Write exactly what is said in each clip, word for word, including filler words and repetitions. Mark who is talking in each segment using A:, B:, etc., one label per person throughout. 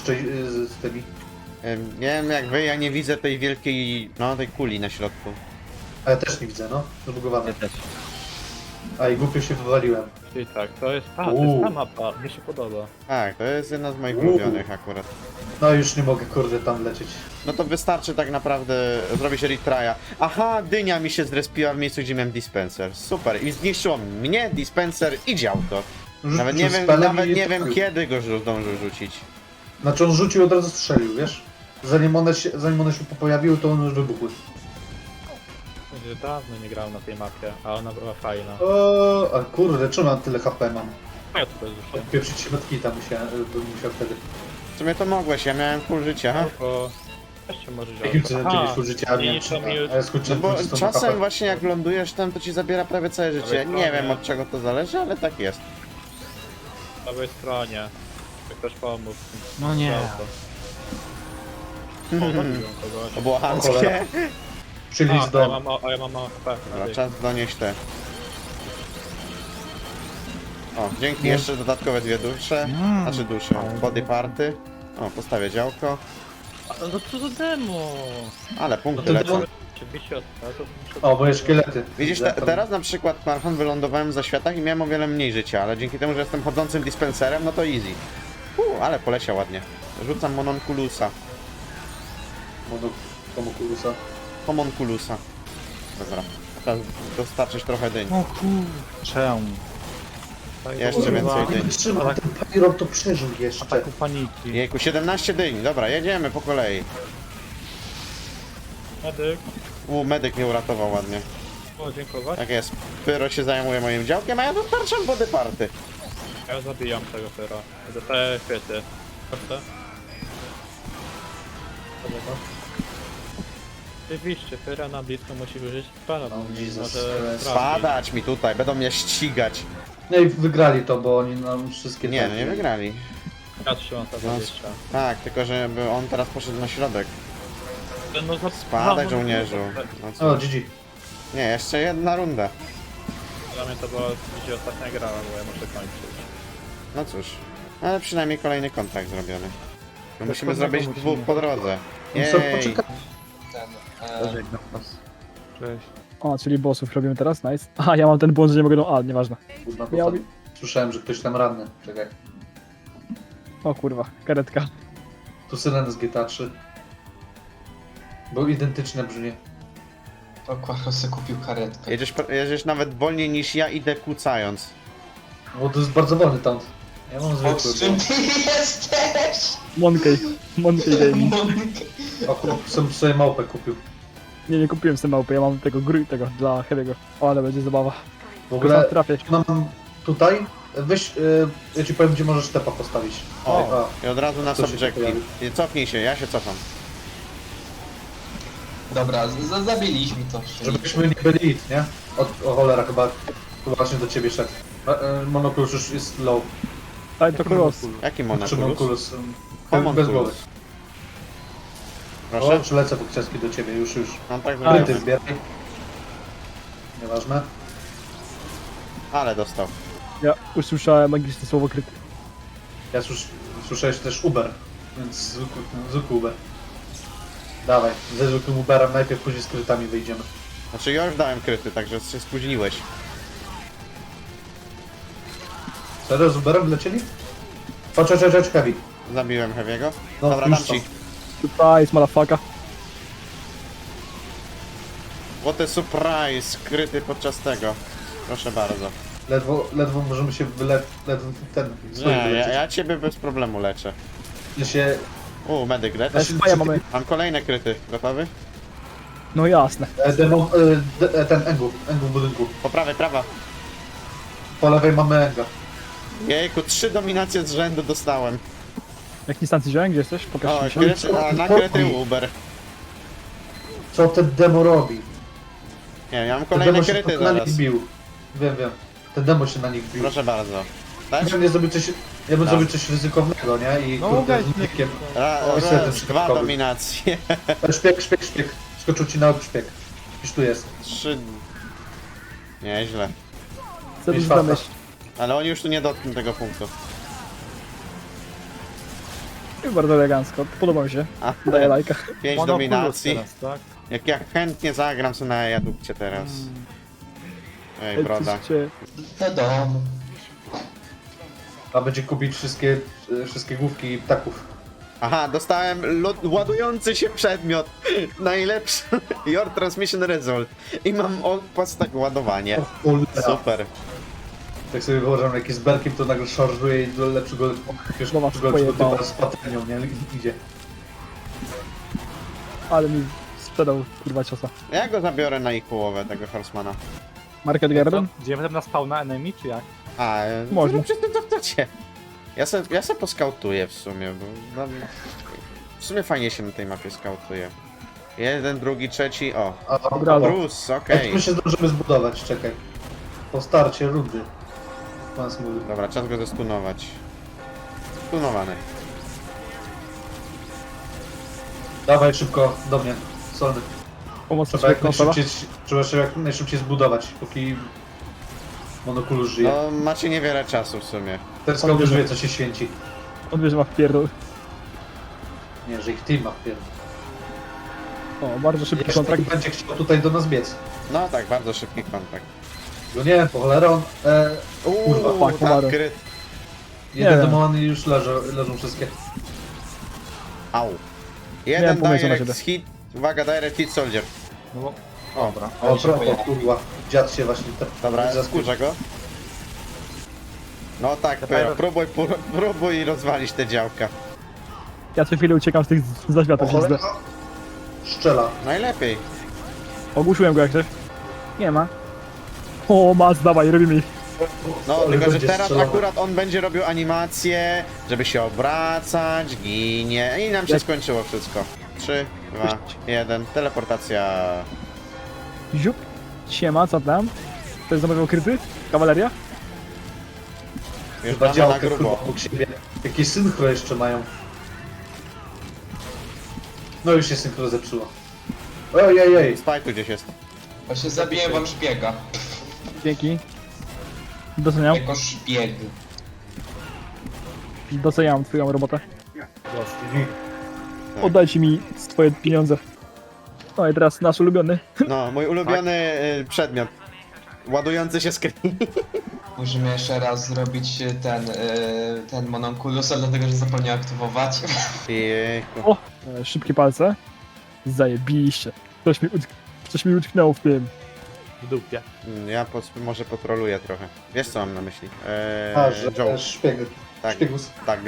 A: z, z tymi.
B: Ym, Nie wiem jak wy, ja nie widzę tej wielkiej, no tej kuli na środku.
A: A ja też nie widzę, no. Zbugowane.
C: Ja też.
A: A i głupio się wywaliłem.
C: Czyli tak, to jest, a, to
A: Uuu.
C: jest ta mapa, mi się podoba.
B: Tak, to jest jedna z moich
A: Uuu.
B: ulubionych akurat.
A: No już nie mogę, kurde, tam lecieć.
B: No to wystarczy tak naprawdę zrobić retrya. Aha, dynia mi się zrespiła w miejscu, gdzie miałem dispenser. Super. I zniszczyło mnie, dispenser i działko.
A: Rzucił
B: Nawet nie wiem,
A: spelem
B: nawet
A: i
B: nie wiem
A: trafił.
B: kiedy go żu- zdążył rzucić.
A: Znaczy on rzucił, od razu strzelił, wiesz? Zanim one się, zanim one się pojawiły, to one już wybuchły.
C: Będzie dawno nie grałem na tej mapie, a ona była fajna.
A: O, a kurde, czemu mam tyle H P mam?
C: A ja to bez już
A: Odpieprzyć się medkita musiałem, bym musiał wtedy.
B: W sumie to mogłeś, ja miałem full życia.
C: bo jeszcze może działać.
A: Jakim cudem ciebie full życia, a
C: nie,
A: miałem
C: nie,
A: trzy,
C: to mi już-
A: a ja
B: No
A: skończyłem
B: bo
A: dwudziestą H
B: czasem
A: P.
B: właśnie jak lądujesz tam, to ci zabiera prawie całe życie.
C: Ale
B: Nie
C: to
B: wiem
C: nie.
B: od czego to zależy, ale tak jest.
C: Po prawej stronie. Jak ktoś pomógł.
D: No nie.
C: O, zabiłem kogoś.
B: To było
A: O
B: chamskie.
A: cholera. Przylicz
C: A, a ja
A: do...
C: mam, o, a ja mam mało H P.
B: Dobra, czas donieść te. O, dzięki, jeszcze dodatkowe dwie dusze.
D: Mm.
B: Znaczy dusze, body party. O, postawię działko.
C: A, no co za demo?
B: Ale punkty
A: No to
B: lecą.
A: demo-
C: Oczywiście od razu muszę...
A: O, moje szkielety.
B: Widzisz,
A: Widzę,
B: te,
A: tam-
B: teraz na przykład Marchon wylądowałem za światach i miałem o wiele mniej życia, ale dzięki temu, że jestem chodzącym dispenserem, no to easy. Uu, ale poleciał ładnie. Rzucam mononkulusa.
A: Mono- Homunculusa.
B: Homonkulusa. Dobra. Teraz dostarczyć trochę dyń.
D: O kurczę.
B: Jeszcze
A: Kurwa,
B: więcej
A: nie
B: dyń.
A: wytrzymam, ten Pyro to przeżył jeszcze.
D: Ataku paniki.
B: Jejku, siedemnaście dyń. Dobra, jedziemy po kolei.
C: Medyk.
B: U, medyk mnie uratował ładnie.
C: O, dziękować.
B: Tak jest. Pyro się zajmuje moim działkiem, a ja dostarczam body party.
C: Ja zabijam tego pyra. Dostaję chwyty. Proszę. Oczywiście, pyra na blisko musi wyżyć spana, bo
A: Oh,
C: nie
A: Jesus
C: może
A: Christ.
C: trafić.
B: Spadać mi tutaj, będą mnie ścigać.
A: No i wygrali to, bo oni nam wszystkie...
B: Nie,
A: tak-
B: no nie wygrali.
C: Ja trzymam za
B: No,
C: dwadzieścia.
B: Tak, tylko żeby on teraz poszedł na środek.
C: No, za...
B: Spadaj,
C: no,
B: żołnierzu. No
A: O,
B: cóż.
A: G G.
B: Nie, jeszcze jedna runda.
C: Dla mnie to była dzisiaj ostatnia gra, bo ja muszę kończyć.
B: No cóż. Ale przynajmniej kolejny kontrakt zrobiony. My musimy
D: Dokładnie
B: zrobić
D: musimy.
B: dwóch po drodze.
A: No co,
B: Jej.
A: poczekaj.
D: Żegnam was. Cześć. O, czyli bossów robimy teraz? Nice. Aha, ja mam ten błąd, że nie mogę do... A, nieważne.
A: Kurwa, bo
D: Miał-
A: tam- Słyszałem, że ktoś tam ranny. Czekaj.
D: O kurwa, karetka.
A: Tu syrena z G T A trzy. Był identyczne brzmienie.
E: To Quacho se kupił karetkę.
B: Jedziesz, jedziesz nawet wolniej niż ja, idę kucając.
A: Bo to jest bardzo wolny taunt. Ja mam
E: O,
A: zwykły.
E: z czym ty jesteś?
D: Monkey. Monkey Gaming.
A: Bo... O, kup- sobie, sobie małpę kupił.
D: Nie, nie kupiłem sobie małpy, ja mam tego gry, tego, dla Heavy'ego. O, ale będzie zabawa.
A: W
D: Tylko
A: ogóle
D: sam trafię.
A: mam tutaj. Weź, y, ja ci powiem, gdzie możesz tepa postawić.
B: O,
A: A,
B: i od razu na
A: To się
B: subjective.
A: pojawi.
B: I cofnij się, ja się cofam.
E: Dobra, z- z- zabiliśmy to.
A: żebyśmy nie byli it, nie? O, o cholera, chyba, chyba właśnie do ciebie szedł. E, e, Monokulus już jest low.
D: Daj to cross.
B: Jaki
A: Czy
B: monokulus?
A: Monokulus? um,
B: Homunculus.
A: Bez głowy. O,
B: Proszę?
A: przylecę po książki do ciebie, już, już.
B: Mam tak
A: Kryty
B: zrobione.
A: zbieraj. Nieważne.
B: Ale dostał.
D: Ja usłyszałem magiczne słowo kryty.
A: Ja słysz, słyszałeś też Uber, więc zwykły, zwykły Uber. Dawaj, ze zwykłym Uberem najpierw, później z krytami wyjdziemy.
B: Znaczy ja już dałem kryty, także się spóźniłeś.
A: Serio, z Uberem wlecieli? Chodź, chodź, chodź, chodź, Heavy.
B: Zabiłem Heavy'ego.
A: No,
B: Dobra,
A: już
B: dam
A: są.
B: ci.
D: Surprise, motherfucker.
B: What a surprise! Kryty podczas tego. Proszę bardzo.
A: Ledwo, ledwo możemy się wyle... ledwo ten...
B: Nie,
A: swoich
B: ja,
A: wyleczyć.
B: ja ciebie bez problemu leczę.
A: Ja się...
B: U, medyk leć.
A: Ja się
D: Swoje mamy.
B: Mam kolejne kryty. Gotowy?
D: No jasne.
A: e, demo, e, de, e, ten Engu, Engu w budynku.
B: Po prawej, prawa.
A: Po lewej mamy Enga.
B: Jejku, trzy dominacje z rzędu dostałem.
D: Jak instancji wziąłem? Gdzie jesteś?
B: O,
D: Pokaż mi się.
B: kryty, a na kryty Uber.
A: Co ten demo robi?
B: Nie, ja mam
A: Ten
B: kolejne
A: demo się
B: kryty
A: na
B: zaraz.
A: nich bił. Wiem, wiem. Ten demo się na nich bił.
B: Proszę bardzo. Dać?
A: Ja bym zrobił coś, ja bym
B: Tak.
A: zrobił coś ryzykownego, nie? I
D: No,
A: kurde,
D: ugaj
A: z nikiem.
B: Ra,
A: Oj, setem
B: raz, dwa
A: szybkowy.
B: dominacje.
A: Szpieg, szpieg, szpieg. Skoczył ci na łeb szpieg. Już tu jest.
B: Trzy. Nieźle.
D: Co
A: Mieć
D: tu
A: farta.
D: zamyśl?
B: Ale oni już tu nie dotkną tego punktu.
D: I bardzo elegancko, podoba mi się.
B: A,
D: Daję lajka.
B: pięć
C: Monoculus
B: dominacji.
C: teraz, tak?
B: Jak ja chętnie zagram sobie na jadukcie teraz. Ej, broda.
D: Jesteście-
E: Do domu.
A: A będzie kupić wszystkie, e, wszystkie główki ptaków.
B: Aha, dostałem lo- ładujący się przedmiot. Najlepszy. Your transmission result. I mam okpas tak ładowanie.
A: O cholera.
B: Super.
A: Tak sobie wyobrażam, jak jest berkiem, to nagle szarżuje i do lepszego, jakiegoś
D: No was
A: lepszego typa
D: pojebało.
A: z patelnią, nie? Idzie.
D: Ale mi sprzedał kurwa ciosa.
B: Ja go zabiorę na ich połowę, tego Horsemana.
D: Market Garden?
C: Gdzie potem na spawna enemy, czy jak?
B: A, e,
D: Może.
B: no przez to w tocie. Ja se, ja se poskautuję w sumie, bo no, w sumie fajnie się na tej mapie skautuje. Jeden, drugi, trzeci, o.
A: A, a,
D: Dobra,
A: a,
B: Bruce,
A: Jak
B: okej.
A: my się zdążymy zbudować, czekaj. Po starcie rundy. Pan mówi.
B: Dobra, czas go zestunować. Stunowany.
A: Dawaj szybko do mnie, solny.
D: Pomoc
A: Trzeba
D: sobie
A: jak,
D: konsola?
A: najszybciej, trzeba się jak najszybciej zbudować, póki monokulus żyje.
B: No, macie niewiele czasu w sumie.
A: Teraz kogoś już wie, co się święci.
D: On wie, że ma wpierdol.
A: Nie, że ich team ma wpierdol.
D: O, bardzo szybki
A: Jeszcze
D: kontrakt.
A: będzie chciał tutaj do nas biec.
B: No tak, bardzo szybki kontakt.
A: No nie, po cholerę on... E, Kurwa,
B: Uuu,
D: fuck,
B: tam
D: umarł.
B: kryt.
A: jeden
D: wiem.
A: demony już leżą, leżą wszystkie.
B: Au.
D: Miałem
B: Jeden
D: pomysł na
B: direct
D: siebie.
B: hit, uwaga, direct hit soldier.
C: No bo...
B: O,
C: Dobra.
A: O,
E: się
A: propos,
E: pojawi.
A: kurwa. Dziad się właśnie... Te,
B: dobra,
A: zaskórze.
B: skurzę go. No tak,
C: Dobra.
B: Pyro, próbuj, pró- próbuj rozwalić te działka.
D: Ja co chwilę uciekam z tych
A: Po
D: zaświatów.
A: cholerę... Szczela.
B: Najlepiej.
D: Ogłuszyłem go jak coś. Nie ma. O, mas, dawaj, robimy ich.
B: No,
A: Ale
B: tylko że
A: będzie
B: teraz
A: strzelał.
B: akurat on będzie robił animację, żeby się obracać, ginie i nam się
D: Jak-
B: skończyło wszystko. trzy, dwa, jeden, teleportacja.
D: Ziup. Siema, co tam? To jest zamawiał kryty? Kawaleria?
B: Już
A: Chyba
B: damy na
A: działkę, kurwa,
B: grubo.
A: obok siebie. Jakieś synchro jeszcze mają. No już się synchro zepsuło. Ojej, ej, ej.
B: Spaj tu gdzieś jest.
E: Właśnie zabiję wam szpiega.
D: Dzięki. Doceniam.
E: Jako szpieg.
D: Doceniam twoją robotę.
A: Mhm.
B: Tak.
D: Oddajcie mi swoje pieniądze. No i teraz nasz ulubiony.
B: No, mój ulubiony y, przedmiot. Ładujący się screen.
E: Musimy jeszcze raz zrobić ten, y, ten mononkulus, ale dlatego, że zapomniałem aktywować.
B: Jejku.
D: O! E, szybkie palce. Zajebiście. Coś mi, utk coś mi utknęło w tym.
C: W dupie.
B: Mm, Ja pos może potroluję trochę. Wiesz co mam na myśli? Eee,
A: A, że
B: Joe.
A: szpieg.
B: Tak,
A: Szpiegus.
B: tak.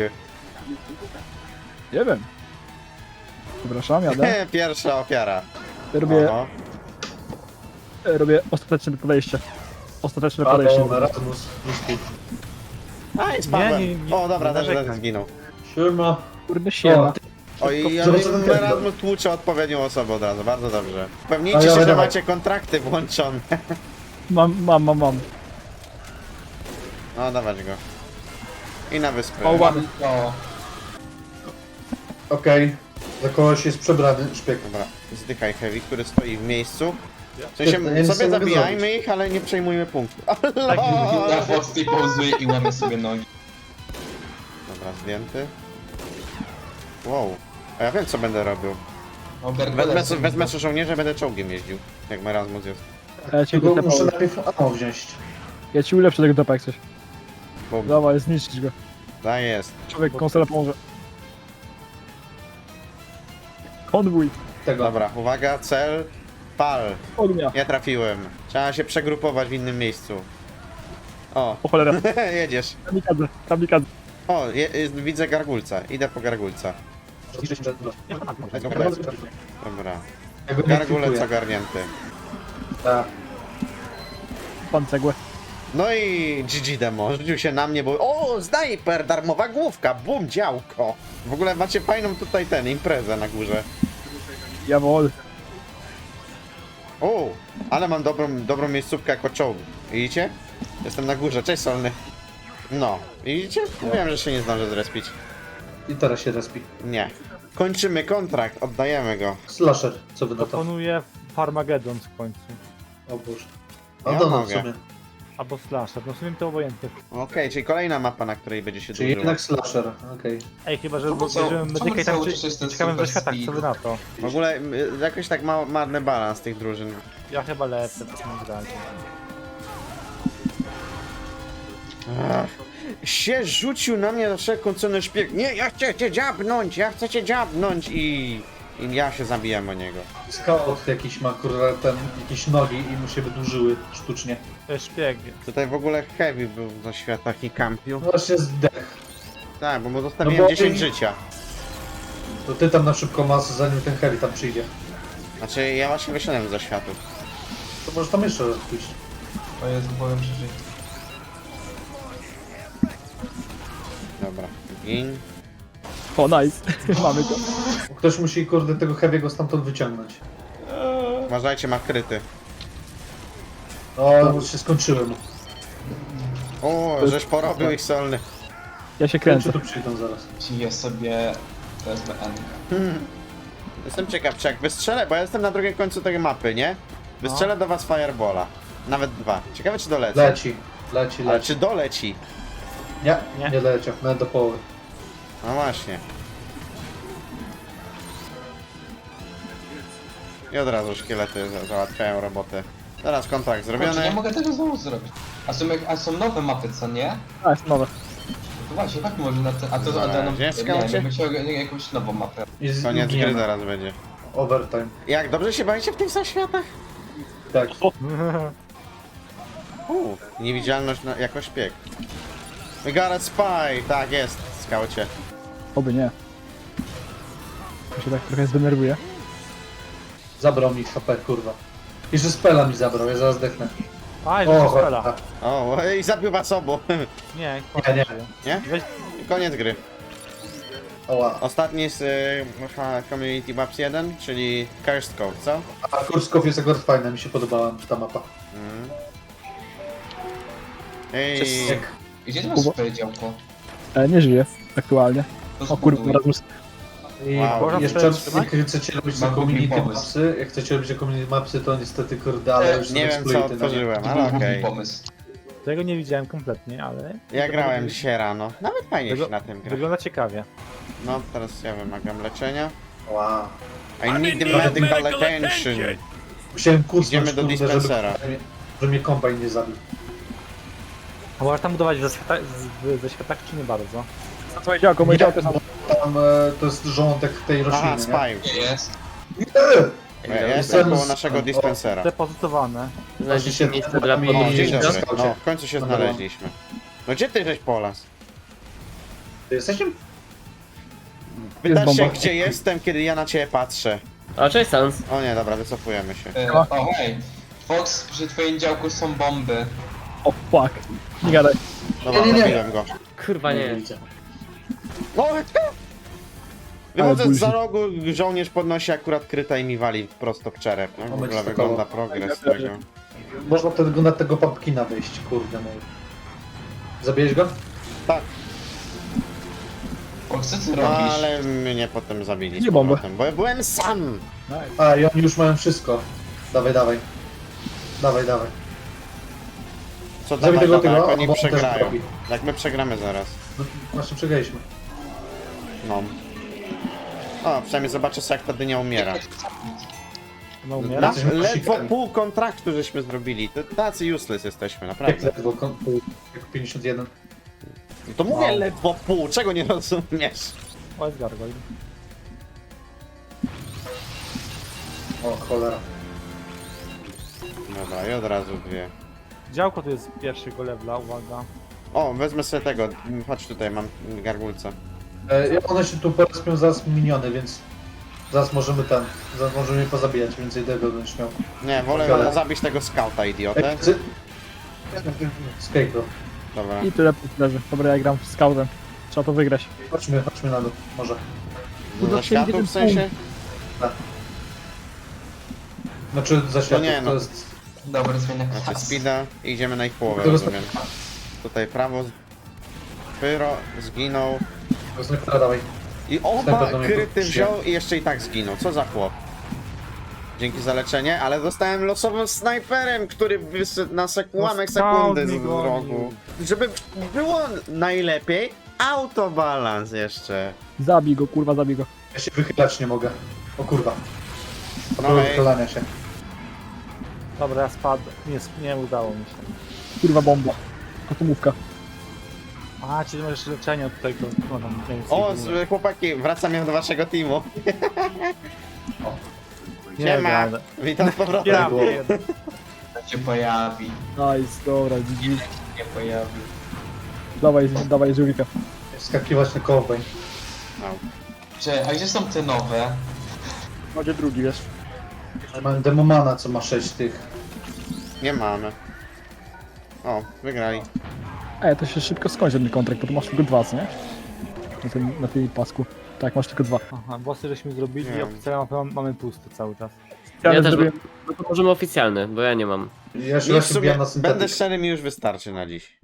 D: Nie wiem. Przepraszam, jadę.
B: Pierwsza ofiara.
D: Robię,
B: Oho.
D: e, robię ostateczne podejście. Ostateczne
A: A,
D: podejście.
A: to Erasmus. Ruski.
B: A, i spadłem.
C: Nie, nie, nie,
B: o, dobra,
C: nie
B: też,
C: narzekaj.
B: też zginął.
A: Siema.
D: Kurde, siema.
B: Oj,
A: Zobacz, co ten
B: ale
A: kępel.
B: Erasmus tłucze odpowiednią osobę od razu, bardzo dobrze.
A: A,
B: Upewnijcie
A: ja
B: się, że
A: dawaj.
B: macie kontrakty włączone.
D: Mam, mam, mam, mam.
B: No, dawać go. I na wyspę.
D: O, ładnie.
E: O,
A: Okej. Za kogoś jest przebrany szpieg.
B: Dobra, zdychaj Heavy, który stoi w miejscu. W sensie,
A: Ja nic
B: sobie
A: nie mogę
B: zabijajmy
A: zrobić.
B: ich, ale nie przejmujmy punktu.
E: na Foxy pauzuje i łamie sobie nogi.
B: Dobra, zdjęty. Wow. A ja wiem, co będę robił.
E: O,
B: Wezmę,
E: Bergolet
B: sobie- wezmę sobie żołnierza, będę czołgiem jeździł. Jak Erasmus jest.
D: A ja ci
A: Tylko
D: go
A: muszę
D: tepał.
A: najpierw ammo wziąć.
D: Ja ci ulepszę tego topa jak coś.
B: Bo
D: Dawaj, zniszczyć go.
B: da jest.
D: Człowiek konsola pomoże. Konwój.
A: Tego.
B: Dobra, uwaga, cel. Pal.
D: Ognia.
B: Nie trafiłem. Trzeba się przegrupować w innym miejscu. O,
D: O cholera.
B: jedziesz.
D: Kamikadze. Kamikadze.
B: O, je, jest, widzę gargulca. Idę po gargulca. Dobra.
A: Ja go nie
B: Gargulec
A: kwipuję.
B: ogarnięty.
A: Tak.
D: Pan cegłę.
B: No i G G demo, rzucił się na mnie, bo o, snajper, darmowa główka, bum, działko. W ogóle macie fajną tutaj ten, imprezę na górze.
D: Jawol.
B: O, ale mam dobrą, dobrą miejscówkę jako czołg. Widzicie? Jestem na górze, cześć Solny. No, widzicie? Mówiłem, że się nie zdążę zrespić.
A: I teraz się respi.
B: Nie. Kończymy kontrakt, oddajemy go.
A: Slasher, co wy na to?
C: Proponuję Farmagedon w końcu.
A: O Boże. A
B: Ja
A: do nas w
B: mogę.
A: sumie.
C: Albo slasher, no w sumie to obojętne.
B: Okej, czyli kolejna mapa, na której będzie się
A: Czyli
B: dłużyło.
A: jednak slasher, okej.
C: Ej, chyba, że
E: Czemu co-
C: bierzemy
E: czemu
C: medyka i tam
E: cały
C: czy-
E: czas jest ten
C: ciekawym
E: super
C: zaświatach, co
E: speed?
C: wy na to?
B: W ogóle y, jakoś tak ma marny balans tych drużyn.
C: Ja chyba lecę w takim razie.
B: Ach, się rzucił na mnie za wszelką cenę szpieg. Nie, ja chcę cię dziabnąć, ja chcę cię dziabnąć i... I ja się zabijam o niego.
A: Scout jakiś ma kurwa ten, jakieś nogi i mu się wydłużyły sztucznie.
C: To jest szpieg.
B: Tutaj w ogóle Heavy był za światach i kampił.
A: No właśnie zdech.
B: Tak, bo mu zostawiłem
A: No bo-
B: dziesięć życia.
A: To ty tam na szybko masę, zanim ten heavy tam przyjdzie.
B: Znaczy, ja właśnie wyszedłem za światów.
A: To może tam jeszcze raz pójść.
E: O Jezu, powiem przeżyć.
B: Dobra, gin.
D: O, nice. Mamy to.
A: Ktoś musi kurde tego heavy'ego stamtąd wyciągnąć.
B: Uważajcie, ma kryty.
A: No, już się skończyłem.
B: O, żeś porobił ich solny.
D: Ja się
A: Czy
D: kręcę.
A: tu przyjdą zaraz?
E: Ciję sobie P S B N.
B: Hmm. Jestem ciekaw, czy jak wystrzelę, bo ja jestem na drugim końcu tej mapy, nie? Wystrzelę do was Firebola. Nawet dwa. Ciekawe, czy dolecę.
A: Leci, leci,
B: Ale
A: leci.
B: czy doleci?
A: Nie,
C: Nie.
A: nie leciał, nawet do połowy.
B: No właśnie. I od razu szkielety za- załatwiają robotę. Teraz kontrakt
E: Kurczę, nie
B: zrobiony.
E: mogę tego znowu zrobić. A są, jak- a są nowe mapy, co nie?
D: A, jest nowe.
E: To właśnie, tak może na te... A to... A to
B: Zaraz,
E: no,
B: jest
E: nie,
B: skaucie?
E: jakby chciał jakąś nową mapę.
A: I z
B: Koniec gry
A: gniewem.
B: zaraz będzie.
A: Overtime.
B: Jak dobrze się bawicie w tych zaświatach?
A: Tak.
B: Uuu, niewidzialność na, jako szpieg. We got a spy! Tak jest, skaucie.
D: Oby nie. Ja się tak trochę zdenerwuję.
A: Zabrał mi H P, kurwa. Jeszcze spela mi zabrał, ja zaraz dechnę.
C: A,
A: O,
C: jeszcze
A: cholera.
C: strzela.
B: O, i zabił was obu.
C: Nie,
A: Nie, nie.
B: Nie?
C: Weź,
B: I koniec gry.
A: Oła.
B: Ostatni z y, ha- Community Maps jeden, czyli Cursed Cove, co?
A: A Kurskow jest akurat fajna, mi się podobała ta mapa.
B: Mm. Ej,
A: Jak
E: Gdzie ty masz
D: Kubo?
E: swoje działko?
D: E, nie żyję aktualnie.
E: To
D: O kurwa,
E: zbuduj.
D: Razmus.
A: I
B: Wow.
C: Można
A: jeszcze
C: przetrzymać?
A: jak chcecie robić te
E: Mam głupi
A: community
E: pomysł.
A: mapsy, jak chcecie robić te community mapsy, to niestety kurde, ale już są
B: nie wiem co
A: exploity na nie.
B: otworzyłem,
E: To
B: ale
E: był
B: okej.
E: głupi pomysł.
C: tego nie widziałem kompletnie, ale...
B: Ja grałem dzisiaj rano. Nawet fajnie
C: Wygo-
B: się na tym gra.
C: Wygląda ciekawie.
B: No, teraz ja wymagam leczenia.
A: Wow.
B: I need the medical attention.
A: Musiałem kursnąć,
B: Idziemy do
A: kurde,
B: dispensera.
A: Żeby, żeby mnie kombajn nie zabił.
C: A możesz tam budować ze, świata, z- ze światach, czy nie bardzo?
D: Co twoje działko? Moje działko jest tam.
A: Tam e, to jest rządek tej rośliny,
B: Aha,
A: nie?
B: spy.
E: Jest.
B: Ja jestem
A: Jestem
B: koło
A: z-
B: naszego
A: o,
B: dispensera.
C: Depozytowane.
A: Znajdziecie
F: miejsce dla
B: O, dzień
F: podróżnika?
B: dobry.
A: Skaucie.
B: No, w końcu się
A: Dobra.
B: znaleźliśmy. No gdzie ty żeś polas?
A: Ty jesteście?
B: Pytasz się,
D: bomba.
B: gdzie jestem, kiedy ja na ciebie patrzę.
F: O, cześć Sans.
B: O nie, dobra, wycofujemy się.
E: E,
D: Siema.
E: o hej. Fox, przy twoim działku są bomby.
D: O, fuck. Nie gadaj.
B: Dobra,
A: Nie, nie, nie.
B: zabiłem go.
F: Kurwa nie.
A: widzicie.
B: No, wychodzę
D: Ale
B: za
D: bullshit.
B: rogu, żołnierz podnosi akurat kryta i mi wali prosto w czerep. No, w
A: Moment,
B: ogóle
A: stokowo.
B: wygląda progres tego.
A: Można tego, na tego pumpkina wejść, kurde mój. Zabijesz go?
B: Tak,
E: Fox, co ty
B: no,
E: robisz?
B: ale mnie potem zabili z
D: Nie bombę.
B: powrotem, bo ja byłem sam.
D: Nice.
A: A, i oni już mają wszystko. Dawaj, dawaj. Dawaj, dawaj.
B: Co
A: Zabij
B: dawaj,
A: tego,
B: dawaj,
A: tego,
B: jak oni
A: bo on też
B: przegrają.
A: robi.
B: Jak my przegramy zaraz.
A: No, właśnie przegraliśmy.
B: No. O, przynajmniej zobaczę sobie, jak ta dynia umiera.
C: No
B: Na,
C: umiera?
A: Jesteśmy
B: ledwo
A: kosikami.
B: pół kontraktu żeśmy zrobili. To tacy useless jesteśmy,
A: Jak
B: naprawdę.
A: ledwo, kon- pół, jak pięćdziesiąt jeden.
B: To mówię
A: Wow.
B: ledwo pół, czego nie rozumiesz?
C: O, jest gargoyle.
A: O, cholera.
B: Dobra, i od razu dwie.
C: Działko tu jest pierwszego levela, uwaga.
B: O, wezmę sobie tego. Chodź tutaj, mam gargulca.
A: E, one się tu porespią zaraz miniony, więc zaraz możemy ten, zaraz możemy je pozabijać, więcej tego będziesz miał.
B: Nie, wolę
A: Dobra.
B: zabić tego skauta, idiotę.
A: Ej, cy- Scarecrow.
B: Dobra.
D: I tyle leży. Dobra, ja gram z scoutem. Trzeba to wygrać.
A: Chodźmy, chodźmy na dół, może.
B: Za światów w sensie?
A: Znaczy za światło,
B: nie, no.
A: to jest...
E: Dobra, zmiana
B: Znaczy
E: klas.
B: speeda i idziemy na ich połowę,
A: Tego
B: rozumiem. Tutaj prawo. Pyro zginął.
A: To jest nie dawaj.
B: I oba
A: Snajper do mnie
B: kryty
A: przyjdzie.
B: wziął i jeszcze i tak zginął. Co za chłop? Dzięki za leczenie, ale dostałem losowym snajperem, który wyszedł na sek ułamek
C: No, skąd
B: sekundy z
C: mi
B: z
C: gonił?
B: rogu. Żeby było najlepiej, autobalans jeszcze.
D: Zabij go, kurwa, zabij go.
A: Ja się wychylać nie mogę. O kurwa.
B: No
A: No
B: hej.
A: wychylania się.
C: Dobra, ja spadłem. Nie, nie udało mi się.
D: Kurwa, bomba. Atomówka.
C: A, czyli masz leczenie od tego. No, tam, nie wiem,
B: O,
C: co
B: z- chłopaki, wracam ja do waszego teamu.
C: nie
B: Siema,
C: gadam.
B: witam z powrotem.
C: Ja
A: było.
C: wiem.
E: To się pojawi.
D: Nice, dobra, G G.
E: Nie pojawi.
D: Dawaj, dawaj, żółwika.
A: Skakiwać na kołbeń.
E: Cze, a gdzie są te nowe?
D: Może drugi, wiesz.
A: Mam demomana, co ma sześć tych.
B: Nie mamy. O, wygrali.
D: Ej, to się szybko skończy ten kontrakt, bo tu masz tylko dwa, co nie? Na tym, na tej pasku. Tak, masz tylko dwa.
C: Aha, bossy żeśmy zrobili,
B: Nie.
C: a oficjalnie mamy, mamy pusty cały czas.
D: Ja,
F: Ja też
D: zrobiłem...
F: No to możemy oficjalny, bo ja nie mam.
A: Ja się
B: Mi w
A: właśnie
B: sumie,
A: bijam na
B: będę
A: syntetyk.
B: szczery, mi już wystarczy na dziś.